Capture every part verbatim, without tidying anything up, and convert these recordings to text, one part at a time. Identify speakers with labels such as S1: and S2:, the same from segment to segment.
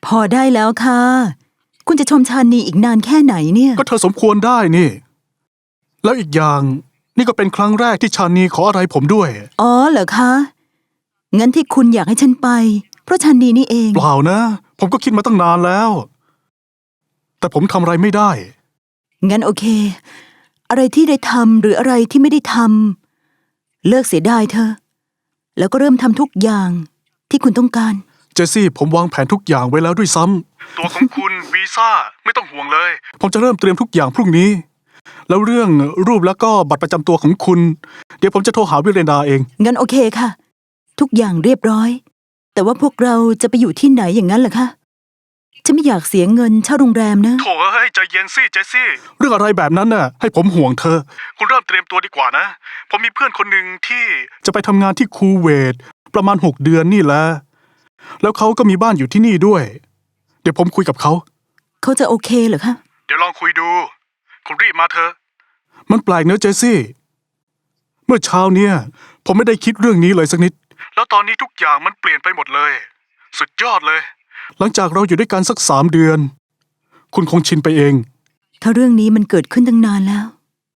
S1: พอได้แล้วค่ะคุณจะชมชานีอีกนานแค่ไหนเนี่ย
S2: ก็เธอสมควรได้นี่แล้วอีกอย่างนี่ก็เป็นครั้งแรกที่ชานีขออะไรผมด้วย
S1: อ๋อเหรอคะงั้นที่คุณอยากให้ฉันไปเพราะชานีนี่เอง
S2: เปล่านะผมก็คิดมาตั้งนานแล้วแต่ผมทำอะไรไม่ได้
S1: งั้นโอเคอะไรที่ได้ทำหรืออะไรที่ไม่ได้ทำเลิกเสียดายเธอแล้วก็เริ่มทำทุกอย่างที่คุณต้องการ
S2: เจสซี่ผมวางแผนทุกอย่างไว้แล้วด้วยซ้ำตัวของคุณวีซ่าไม่ต้องห่วงเลยผมจะเริ่มเตรียมทุกอย่างพรุ่งนี้แล้วเรื่องรูปแล้วก็บัตรประจำตัวของคุณเดี๋ยวผมจะโทรหาวิเรนดาเอง
S1: งั้นโอเคค่ะทุกอย่างเรียบร้อยแต่ว่าพวกเราจะไปอยู่ที่ไหนอย่างนั้นเหรอคะฉันไม่อยากเสียเงินเช่าโรงแรมนะ
S2: โถ่เอ้ยใจเย็นสิเจสซี่เรื่องอะไรแบบนั้นน่ะให้ผมห่วงเธอคุณเริ่มเตรียมตัวดีกว่านะผมมีเพื่อนคนหนึ่งที่จะไปทำงานที่คูเวตประมาณหกเดือนนี่แหละแล้วเขาก็มีบ้านอยู่ที่นี่ด้วยเดี๋ยวผมคุยกับเขา
S1: เขาจะโอเคเหรอคะ
S2: เดี๋ยวลองคุยดูคุณรีบมาเถอะมันแปลกเนอะเจสซี่เมื่อเช้าเนี่ยผมไม่ได้คิดเรื่องนี้เลยสักนิดแล้วตอนนี้ทุกอย่างมันเปลี่ยนไปหมดเลยสุดยอดเลยหลังจากเราอยู่ด้วยกันสักสามเดือนคุณคงชินไปเอง
S1: ถ้าเรื่องนี้มันเกิดขึ้นตั้งนานแล้ว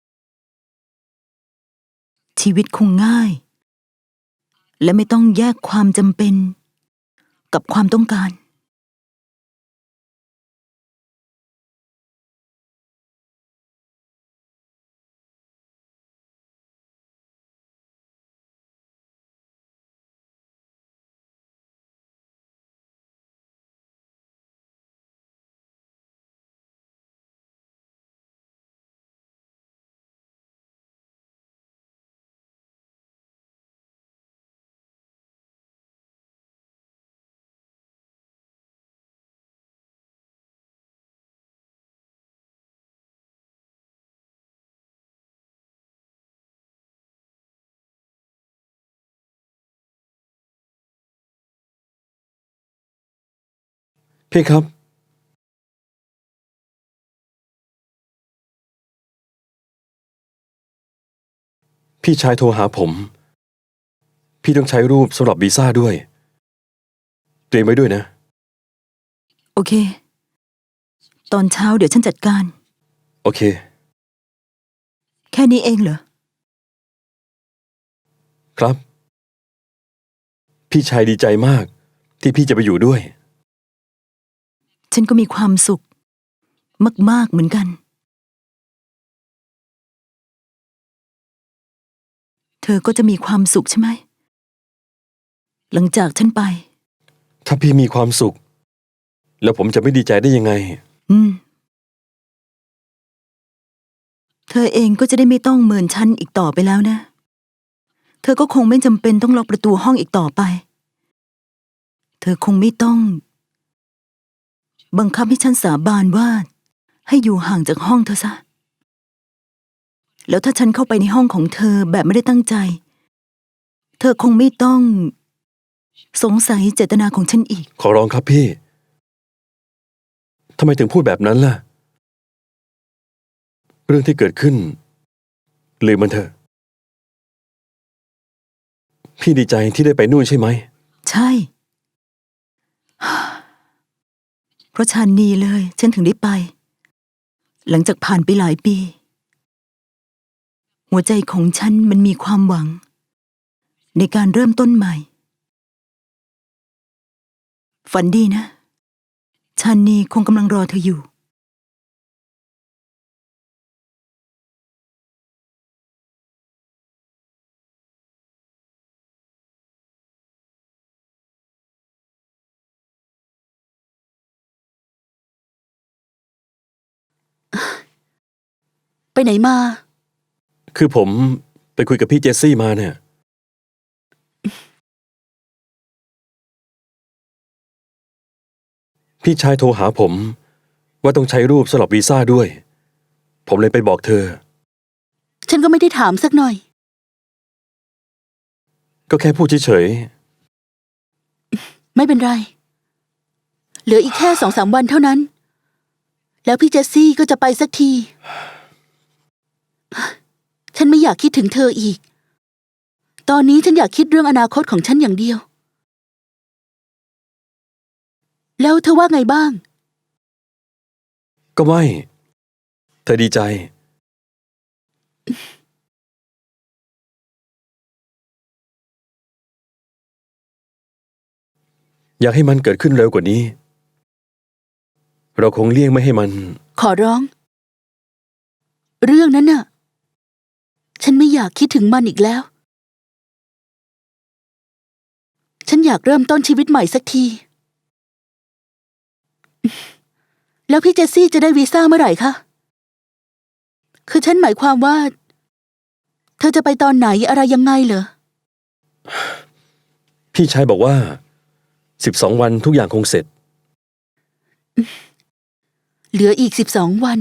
S1: ชีวิตคงง่ายและไม่ต้องแยกความจำเป็นกับความต้องการ
S3: พี่ครับพี่ชายโทรหาผมพี่ต้องใช้รูปสำหรับวีซ่าด้วยเตรียมไว้ด้วยนะ
S1: โอเคตอนเช้าเดี๋ยวฉันจัดการ
S3: โอเค
S1: แค่นี้เองเหรอ
S3: ครับพี่ชายดีใจมากที่พี่จะไปอยู่ด้วย
S1: ฉันก็มีความสุขมากๆเหมือนกันเธอก็จะมีความสุขใช่ไหมหลังจากฉันไป
S3: ถ้าพี่มีความสุขแล้วผมจะไม่ดีใจได้ยังไง
S1: อืมเธอเองก็จะได้ไม่ต้องเมินฉันอีกต่อไปแล้วนะเธอก็คงไม่จำเป็นต้องล็อกประตูห้องอีกต่อไปเธอคงไม่ต้องบังคับให้ฉันสาบานว่าให้อยู่ห่างจากห้องเธอซะแล้วถ้าฉันเข้าไปในห้องของเธอแบบไม่ได้ตั้งใจเธอคงไม่ต้องสงสัยเจตนาของฉันอีก
S3: ขอร้องครับพี่ทำไมถึงพูดแบบนั้นล่ะเรื่องที่เกิดขึ้นลืมมันเถอะพี่ดีใจที่ได้ไปนู่นใช่ไหม
S1: ใช่เพราะชานีเลยฉันถึงได้ไปหลังจากผ่านไปหลายปีหัวใจของฉันมันมีความหวังในการเริ่มต้นใหม่ฝันดีนะชานีคงกำลังรอเธออยู่ไปไหนมา
S3: คือผมไปคุยกับพี่เจสซี่มาเนี่ยพี่ชายโทรหาผมว่าต้องใช้รูปสำหรับวีซ่าด้วยผมเลยไปบอกเธอ
S1: ฉันก็ไม่ได้ถามสักหน่อย
S3: ก็แค่พูดเฉย
S1: ๆไม่เป็นไรเหลืออีกแค่สองสามวันเท่านั้นแล้วพี่เจสซี่ก็จะไปสักทีฉันไม่อยากคิดถึงเธออีกตอนนี้ฉันอยากคิดเรื่องอนาคตของฉันอย่างเดียว
S4: แล้วเธอว่าไงบ้าง
S3: ก็ไม่ เธอดีใจ อยากให้มันเกิดขึ้นเร็วกว่านี้ เราคงเลี่ยงไม่ให้มัน
S4: ขอร้อง เรื่องนั้นน่ะ ฉันไม่อยากคิดถึงมันอีกแล้ว ฉันอยากเริ่มต้นชีวิตใหม่สักที แล้วพี่เจสซี่จะได้วีซ่าเมื่อไหร่คะ คือฉันหมายความว่า เธอจะไปตอนไหนอะไรยังไงเหรอ
S3: พี่ชายบอกว่าสิบสองวันทุกอย่างคงเสร็จ
S4: เหลืออีกสิบสองวัน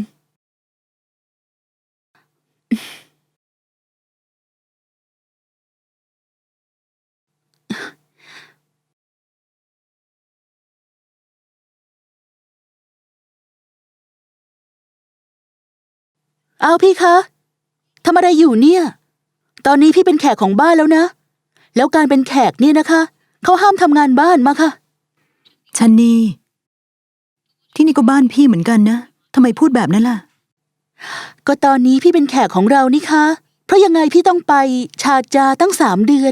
S4: เอาพี่คะทำอะไรอยู่เนี่ย ตอนนี้พี่เป็นแขกของบ้านแล้วนะ แล้วการเป็นแขกเนี่ยนะคะ เขาห้ามทำงานบ้านมาค่ะ
S1: ชันนีที่นี่ก็บ้านพี่เหมือนกันนะทำไมพูดแบบนั้นล่ะ
S4: ก็ตอนนี้พี่เป็นแขกของเรานี่คะ เพราะยังไงพี่ต้องไปชาจาตั้งสามเดือน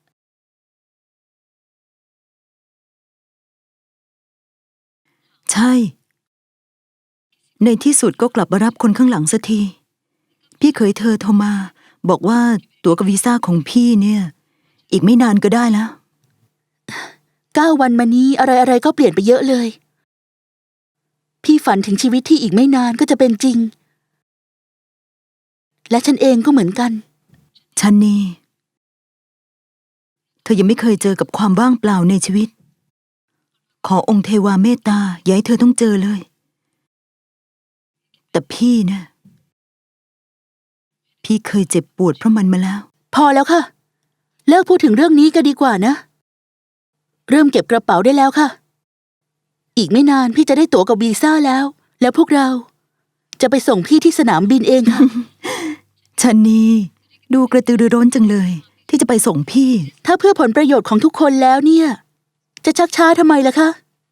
S1: ใช่ ในที่สุดก็กลับมารับคนข้างหลังสักที พี่เคยเธอโทรมา บอกว่าตั๋วกับวีซ่าของพี่เนี่ย อีกไม่นานก็ได้แล้ว
S4: เก้าวันมานี้อะไรๆก็เปลี่ยนไปเยอะเลย พี่ฝันถึงชีวิตที่อีกไม่นานก็จะเป็นจริง และฉันเองก็เหมือนกัน
S1: ชันนีเธอยังไม่เคยเจอกับความว่างเปล่าในชีวิต ขอองค์เทวาเมตตาอย่าให้เธอต้องเจอเลย แต่พี่นะพี่เคยเจ็บปวดเพราะมันมาแล้ว
S4: พอแล้วค่ะ เลิกพูดถึงเรื่องนี้ก็ดีกว่านะ เริ่มเก็บกระเป๋าได้แล้วค่ะ อีกไม่นานพี่จะได้ตั๋วกับวีซ่าแล้ว แล้วพวกเรา จะไปส่งพี่ที่สนามบินเองค่ะ
S1: ชันนีดูกระตือรือร้นจังเลย ที่จะไปส่งพี่
S4: ถ้าเพื่อผลประโยชน์ของทุกคนแล้วเนี่ย จะชักช้าทำไมล่ะคะ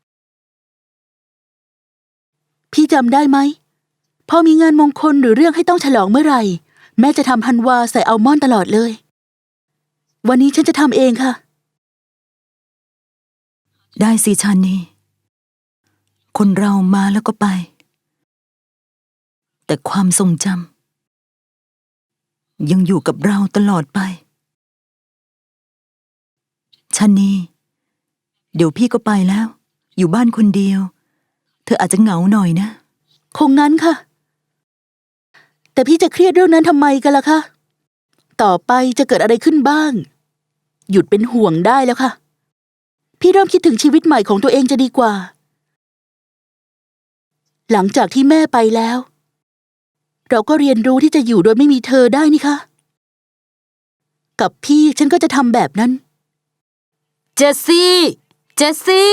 S4: พี่จำได้ไหมพอมีงานมงคลหรือเรื่องให้ต้องฉลองเมื่อไหร่ แม่จะทำฮันวาใส่อัลมอนด์ตลอดเลย วันนี้ฉันจะทำเองค่ะ
S1: ได้สิชันนีคนเรามาแล้วก็ไป แต่ความทรงจำยังอยู่กับเราตลอดไปชันนีเดี๋ยวพี่ก็ไปแล้ว อยู่บ้านคนเดียว เธออาจจะเหงาหน่อยนะ
S4: คงงั้นค่ะ แต่พี่จะเครียดเรื่องนั้นทำไมกันล่ะคะ ต่อไปจะเกิดอะไรขึ้นบ้าง หยุดเป็นห่วงได้แล้วค่ะ พี่เริ่มคิดถึงชีวิตใหม่ของตัวเองจะดีกว่า หลังจากที่แม่ไปแล้ว เราก็เรียนรู้ที่จะอยู่โดยไม่มีเธอได้นี่คะ กับพี่ฉันก็จะทำแบบนั้น
S5: เจสซี่ เจสซี่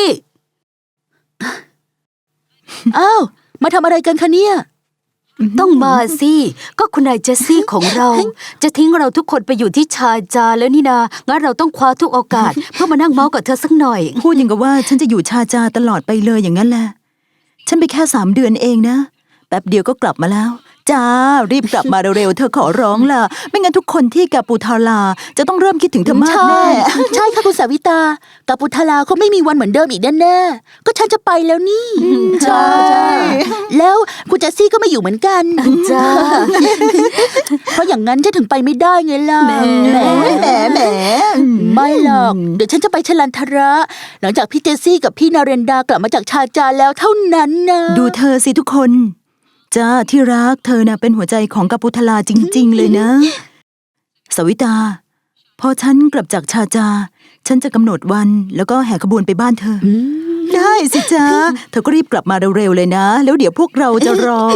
S4: อ้าว มาทำอะไรกันคะเนี่ย
S5: ต้องมาสิ ก็คุณนายเจสซี่ของเรา จะทิ้งเราทุกคนไปอยู่ที่ชาจาแล้วนี่นา งั้นเราต้องคว้าทุกโอกาส เพื่อมานั่งเมาส์กับเธอสักหน่อย
S1: พูดอย่างกับว่าฉันจะอยู่ชาจาตลอดไปเลยอย่างนั้นแหละ ฉันไปแค่สามเดือนเองนะ แป๊บเดียวก็กลับมาแล้ว จ้า รีบกลับมาเร็วๆ เธอขอร้องล่ะ ไม่งั้นทุกคนที่กาปูทาลาจะต้องเริ่มคิดถึงเธอมากแน่
S4: ใช่ค่ะคุณสาวิตา กับปุทลาเขาไม่มีวันเหมือนเดิมอีกแน่ๆก็ฉันจะไปแล้วนี่
S1: ใช่
S4: แล้วคุณเจสซี่ก็ไม่อยู่เหมือนกัน
S5: จ้า
S4: เพราะอย่างนั้นฉันถึงไปไม่ได้ไงล่ะ
S5: แหม
S4: แหม
S1: แหมแหม
S4: ไม่หรอก เดี๋ยวฉันจะไปชลันทระ หลังจากพี่เจสซี่กับพี่นาเรนดากลับมาจากชาจาแล้วเท่านั้นนะ
S1: ดูเธอสิทุกคน จ้าที่รักเธอน่ะเป็นหัวใจของกาปูทลาจริง ๆ เลยนะ สวิตา พอฉันกลับจากชาจา ฉันจะกำหนดวันแล้วก็แห่ขบวนไปบ้านเธออได้สิจ้าเธอก็รีบกลับมาเร็วๆเลยนะ แล้วเดี๋ยวพวกเราจะรอ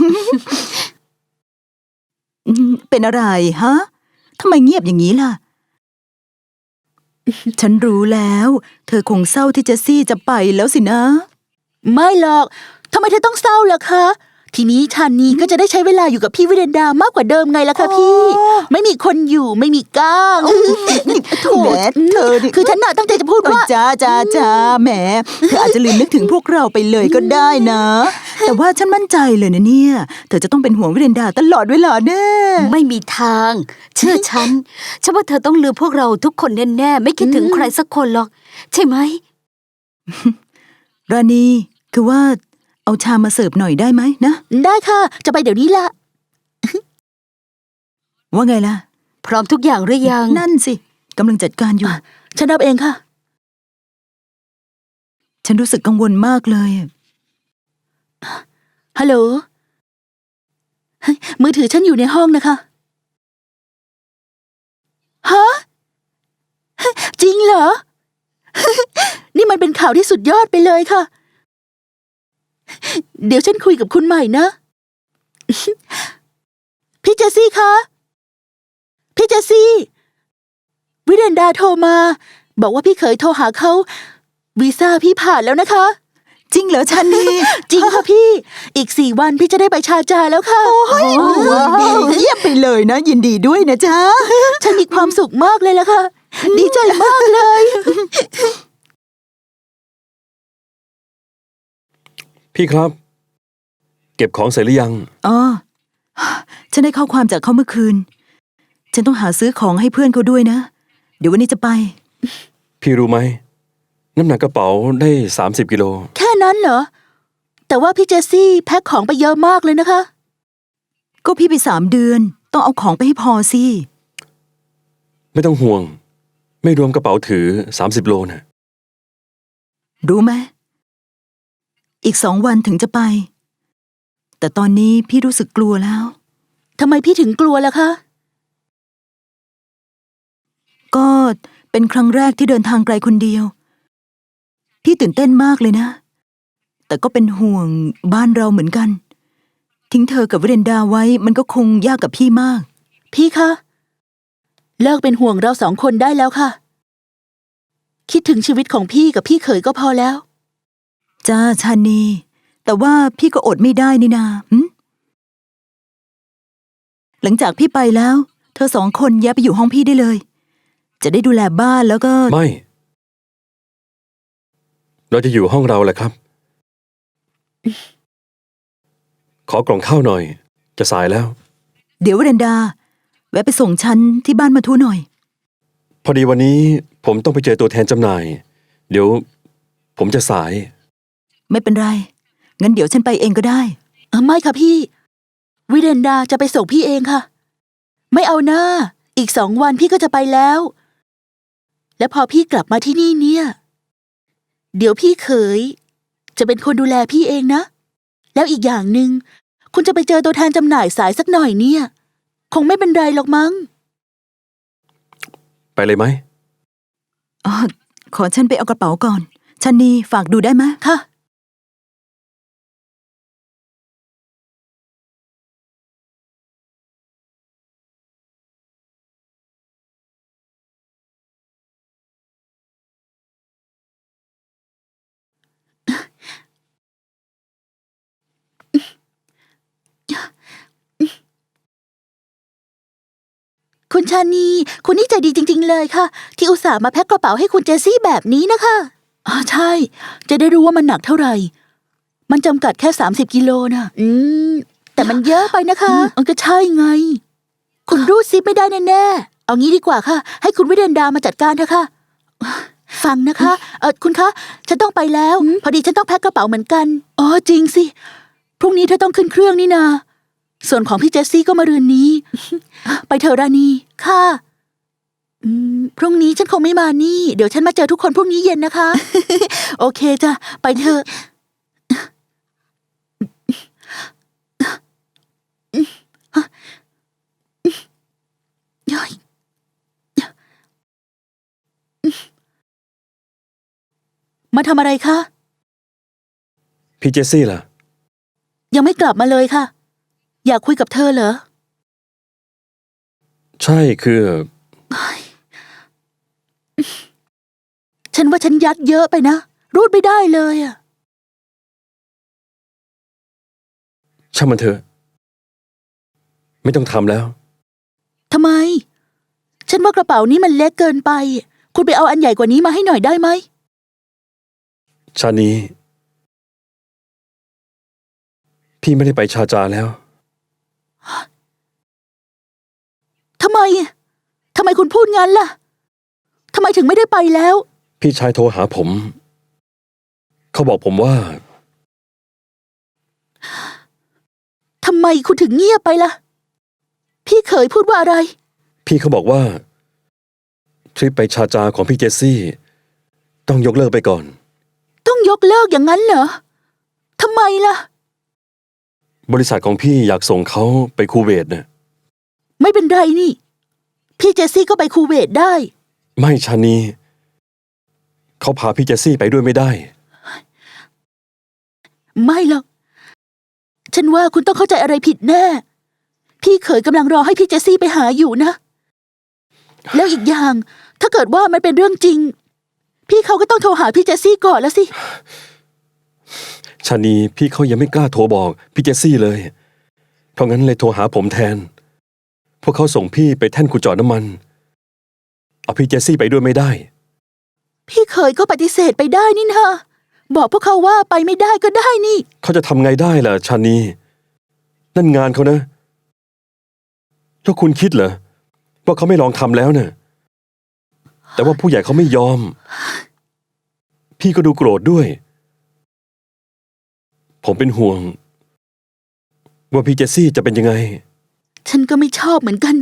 S1: อืมเป็นอะไรฮะทำไมเงียบอย่างนี้ล่ะ ฉันรู้แล้ว เธอคงเศร้าที่เจสซี่จะไปแล้วสินะ
S4: ไม่หรอกทำไมเธอต้องเศร้าล่ะคะทีนี้ชานีก็จะได้ใช้เวลาอยู่กับพี่วิเรนดามากกว่าเดิมไงล่ะคะพี่ ไม่มีคนอยู่ไม่มีก้างโถ
S1: แหมเธอนี่
S4: คือฉันน่ะตั้งใจจะพูด
S1: โอ้ย
S4: ว่า
S1: จ้าจ้าจ้าแหมเธออาจจะลืมนึกถึงพวกเราไปเลยก็ได้นะ แต่ว่าฉันมั่นใจเลยนะเนี่ย เธอจะต้องเป็นห่วงวิเรนดาตลอดเวลาแน่
S5: ไม่มีทาง เชื่อฉัน ฉันว่าเธอต้องลืมพวกเราทุกคนแน่ๆ ไม่คิดถึงใครสักคนหรอก ใช่ไหม
S1: ราณีคือว่าเอาชามมาเสิร์ฟหน่อยได้ไหมนะ
S4: ได้ค่ะ จะไปเดี๋ยวนี้ละ
S1: ว่าไงล่ะ
S5: พร้อมทุกอย่างหรือยัง
S1: นั่นสิกำลังจัดการอยู่
S4: ฉันรับเองค่ะ
S1: ฉันรู้สึกกังวลมากเลย
S4: ฮัลโหลเฮ้ยมือถือฉันอยู่ในห้องนะคะ ฮะ จริงเหรอ นี่มันเป็นข่าวที่สุดยอดไปเลยค่ะ เดี๋ยวฉันคุยกับคุณใหม่นะ พี่เจสซี่คะ พี่เจสซี่ วิเรนดาโทรมา บอกว่าพี่เคยโทรหาเขา วีซ่าพี่ผ่านแล้วนะคะ
S1: จริงเหรอชันนี่
S4: จริงค่ะพี่ อีกสี่วันพี่จะได้ไปชาจาแล้วค่ะ
S1: ดีเยี่ยมไปเลยนะ ยินดีด้วยนะจ๊ะ
S4: ฉันมีความสุขมากเลยล่ะค่ะ ดีใจมากเลย
S3: พี่ครับ เก็บของเสร็จหรือยัง
S1: อ๋อ ฉันได้ข้อความจากเขาเมื่อคืน ฉันต้องหาซื้อของให้เพื่อนเขาด้วยนะ เดี๋ยววันนี้จะไป
S3: พี่รู้ไหม น้ำหนักกระเป๋าได้สามสิบกิโล
S4: แค่นั้นเหรอ แต่ว่าพี่เจสซี่แพ็คของไปเยอะมากเลยนะคะ
S1: ก็พี่ไปสามเดือน ต้องเอาของไปให้พอสิ
S3: ไม่ต้องห่วง ไม่รวมกระเป๋าถือสามสิบโลนะ
S1: รู้ไหม อีกสองวันถึงจะไป แต่ตอนนี้พี่รู้สึกกลัวแล้ว
S4: ทำไมพี่ถึงกลัวล่ะคะ
S1: ก็เป็นครั้งแรกที่เดินทางไกลคนเดียว พี่ตื่นเต้นมากเลยนะ แต่ก็เป็นห่วงบ้านเราเหมือนกัน ทิ้งเธอกับวิเรนดาไว้มันก็คงยากกับพี่มาก
S4: พี่คะ เลิกเป็นห่วงเราสองคนได้แล้วค่ะ คิดถึงชีวิตของพี่กับพี่เขยก็พอแล้ว
S1: จ้าชานี แต่ว่าพี่ก็อดไม่ได้นี่นาหึหลังจากพี่ไปแล้ว เธอสองคนย้ายไปอยู่ห้องพี่ได้เลย จะได้ดูแลบ้านแล้วก็
S3: ไม่ เราจะอยู่ห้องเราแหละครับ ขอกล่องข้าวหน่อย จะสายแล้ว
S1: เดี๋ยววิเรนดา แวะไปส่งฉันที่บ้านมาทุหน่อย
S3: พอดีวันนี้ผมต้องไปเจอตัวแทนจำหน่าย เดี๋ยว ผมจะสาย
S1: ไม่เป็นไร งั้นเดี๋ยวฉันไปเองก็ได้
S4: เออไม่ค่ะพี่ วิเรนดาจะไปส่งพี่เองค่ะ ไม่เอาหน้า อีกสองวันพี่ก็จะไปแล้ว และพอพี่กลับมาที่นี่เนี่ย เดี๋ยวพี่เขย จะเป็นคนดูแลพี่เองนะ แล้วอีกอย่างหนึ่งคุณจะไปเจอตัวแทนจำหน่ายสายสักหน่อยเนี่ย คงไม่เป็นไรหรอกมั้ง
S3: ไปเลยไหม
S1: อ๋อ ขอฉันไปเอากระเป๋าก่อน ชันนีฝากดูได้ไหม
S4: ค่ะ คุณชานี คุณนี่ใจดีจริง ๆ เลยค่ะ ที่อุตส่าห์มาแพ็คกระเป๋าให้คุณเจสซี่แบบนี้นะคะอ๋อใช่ จะได้รู้ว่ามันหนักเท่าไหร่ มันจำกัดแค่สามสิบกิโลนะอืม แต่มันเยอะไปนะคะมันก็ใช่ไง คุณรูดซิปไม่ได้แน่ๆ เอางี้ดีกว่าค่ะ ให้คุณวิเดนดามาจัดการเถอะค่ะ ฟังนะคะ เออคุณคะ ฉันต้องไปแล้ว พอดีฉันต้องแพ็คกระเป๋าเหมือนกัน อ๋อจริงสิ พรุ่งนี้เธอต้องขึ้นเครื่องนี่นา ส่วนของพี่เจสซี่ก็มารืนนี้ ไปเถอะราณี ค่ะ อืม พรุ่งนี้ฉันคงไม่มานี่ เดี๋ยวฉันมาเจอทุกคนพรุ่งนี้เย็นนะคะ โอเคจ้ะ ไปเถอะ มาทำอะไรคะ
S3: พี่เจสซี่ล่ะ
S4: ยังไม่กลับมาเลยค่ะ อยากคุยกับเธอเหรอ
S3: ใช่คือ
S4: ฉันว่าฉันยัดเยอะไปนะ รูดไม่ได้เลยอะ
S3: ช่างมันเถอะ ไม่ต้องทำแล้ว
S4: ทำไม ฉันว่ากระเป๋านี้มันเล็กเกินไป คุณไปเอาอันใหญ่กว่านี้มาให้หน่อยได้ไหม
S3: ชานีพี่ไม่ได้ไปชาจาแล้ว
S4: ทำไม ทำไมคุณพูดงั้นล่ะ ทำไมถึงไม่ได้ไปแล้ว
S3: พี่ชายโทรหาผม เขาบอกผมว่า
S4: ทำไมคุณถึงเงียบไปล่ะ พี่เคยพูดว่าอะไร
S3: พี่เขาบอกว่า ทริปไปชาจาของพี่เจสซี่ ต้องยกเลิกไปก่อน
S4: ต้องยกเลิกอย่างนั้นเหรอ ทำไมล่ะ
S3: บริษัทของพี่อยากส่งเขาไปคูเวตน่ะ
S4: ไม่เป็นไรนี่ พี่เจสซี่ก็ไปคูเวตได้
S3: ไม่ชานีเขาพาพี่เจสซี่ไปด้วยไม่ได้
S4: ไม่หรอก ฉันว่าคุณต้องเข้าใจอะไรผิดแน่ พี่เขยกำลังรอให้พี่เจสซี่ไปหาอยู่นะ แล้วอีกอย่าง ถ้าเกิดว่ามันเป็นเรื่องจริง พี่เขาก็ต้องโทรหาพี่เจสซี่ก่อนแล้วสิ
S3: ชานีพี่เขายังไม่กล้าโทรบอกพี่เจสซี่เลย เพราะงั้นเลยโทรหาผมแทน พวกเขาส่งพี่ไปแท่นขุดเจาะน้ำมัน เอาพี่เจสซี่ไปด้วยไม่ได้
S4: พี่เขยก็ปฏิเสธไปได้นี่นะบอกพวกเขาว่าไปไม่ได้ก็ได้นี่
S3: เขาจะทำไงได้ล่ะชานีนั่นงานเขานะแล้วคุณคิดเหรอว่าเขาไม่ลองทำแล้วเนะ่ะแต่ว่าผู้ใหญ่เขาไม่ยอม พี่ก็ดูโกรธด้วย ผมเป็นห่วง ว่าพี่เจสซี่จะเป็นยังไง
S4: ฉันก็ไม่ชอบเหมือนกัน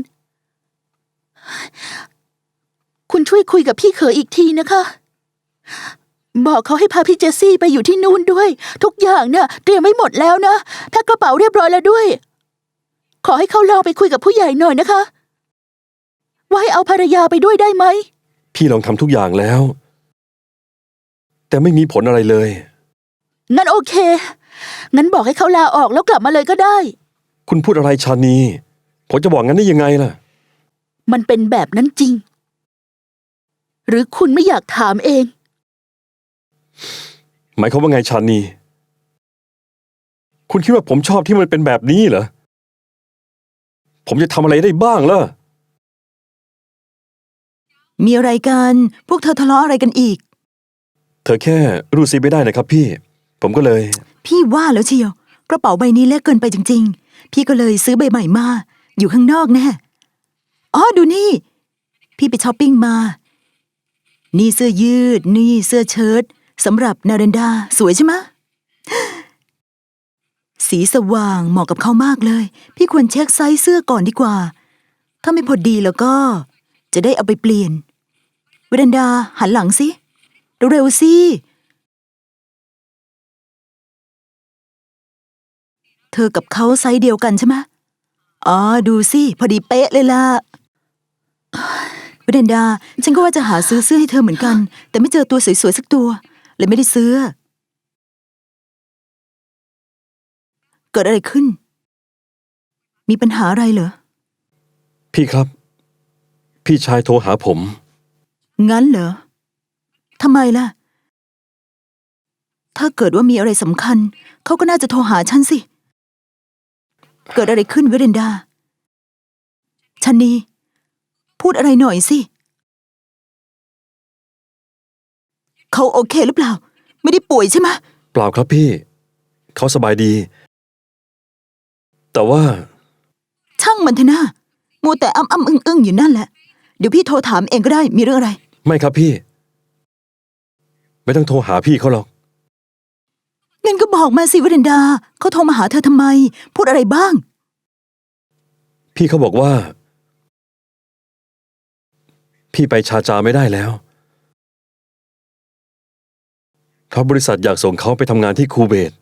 S4: คุณช่วยคุยกับพี่เขยอีกทีนะคะ บอกเขาให้พาพี่เจสซี่ไปอยู่ที่นู่นด้วย ทุกอย่างเนี่ยเตรียมไว้หมดแล้วนะแพ็คกระเป๋าเรียบร้อยแล้วด้วย ขอให้เขาลองไปคุยกับผู้ใหญ่หน่อยนะคะ ว่าให้เอาภรรยาไปด้วยได้ไหม
S3: พี่ลองทำทุกอย่างแล้ว แต่ไม่มีผลอะไรเลย
S4: งั้นโอเค งั้นบอกให้เขาลาออกแล้วกลับมาเลยก็ได้
S3: คุณพูดอะไรชานีผมจะบอกงั้นได้ยังไงล่ะ
S4: มันเป็นแบบนั้นจริง หรือคุณไม่อยากถามเอง
S3: หมายความว่าไงชานีคุณคิดว่าผมชอบที่มันเป็นแบบนี้เหรอผมจะทำอะไรได้บ้างล่ะ
S1: มีอะไรกัน พวกเธอทะเลาะอะไรกันอีก
S3: เธอแค่รู้สิไม่ได้นะครับพี่ ผมก็เลย
S1: พี่ว่าแล้วเชียว กระเป๋าใบนี้เล็กเกินไปจริงๆ พี่ก็เลยซื้อใบใหม่มา อยู่ข้างนอกแน่อ๋อดูนี่ พี่ไปช้อปปิ้งมา นี่เสื้อยืด นี่เสื้อเชิ้ตสำหรับนาเรนดา สวยใช่ไหมะ สีสว่างเหมาะกับเขามากเลย พี่ควรเช็คไซส์เสื้อก่อนดีกว่า ถ้าไม่พอดีแล้วก็ จะได้เอาไปเปลี่ยนเวรันดาหันหลังสิเร็วๆสิเธอกับเขาไซส์เดียวกันใช่ไหมอ๋อดูสิพอดีเป๊ะเลยล่ะเวรันดาฉันก็ว่าจะหาซื้อเสื้อให้เธอเหมือนกัน แต่ไม่เจอตัวสวยๆสักตัวเลยไม่ได้ซื้อเกิดอะไรขึ้น มีปัญหาอะไรเหรอ
S3: พี่ครับ พี่ชายโทรหาผม
S1: งั้นเหรอ ทำไมล่ะ ถ้าเกิดว่ามีอะไรสำคัญ เขาก็น่าจะโทรหาฉันสิ เกิดอะไรขึ้นเวเรนดาชันนีพูดอะไรหน่อยสิ เขาโอเคหรือเปล่า ไม่ได้ป่วยใช่ไหม
S3: เปล่าครับพี่ เขาสบายดี แต่ว่า
S1: ช่างมันเถอะนะมัวแต่อ้ำอ้ำอึ้งอึ้งอยู่นั่นแหละ เดี๋ยวพี่โทรถามเองก็ได้ มีเรื่องอะไร
S3: ไม่ครับพี่ ไม่ต้องโทรหาพี่เขาหรอก
S1: งั้นก็บอกมาสิเวเรนดา เขาโทรมาหาเธอทำไม พูดอะไรบ้าง
S3: พี่เขาบอกว่า พี่ไปชาจาไม่ได้แล้วเพราะบริษัทอยากส่งเขาไปทำงานที่คูเวต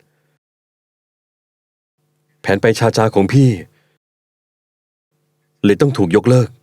S3: แผนไปชาจาของพี่เลยต้องถูกยกเลิก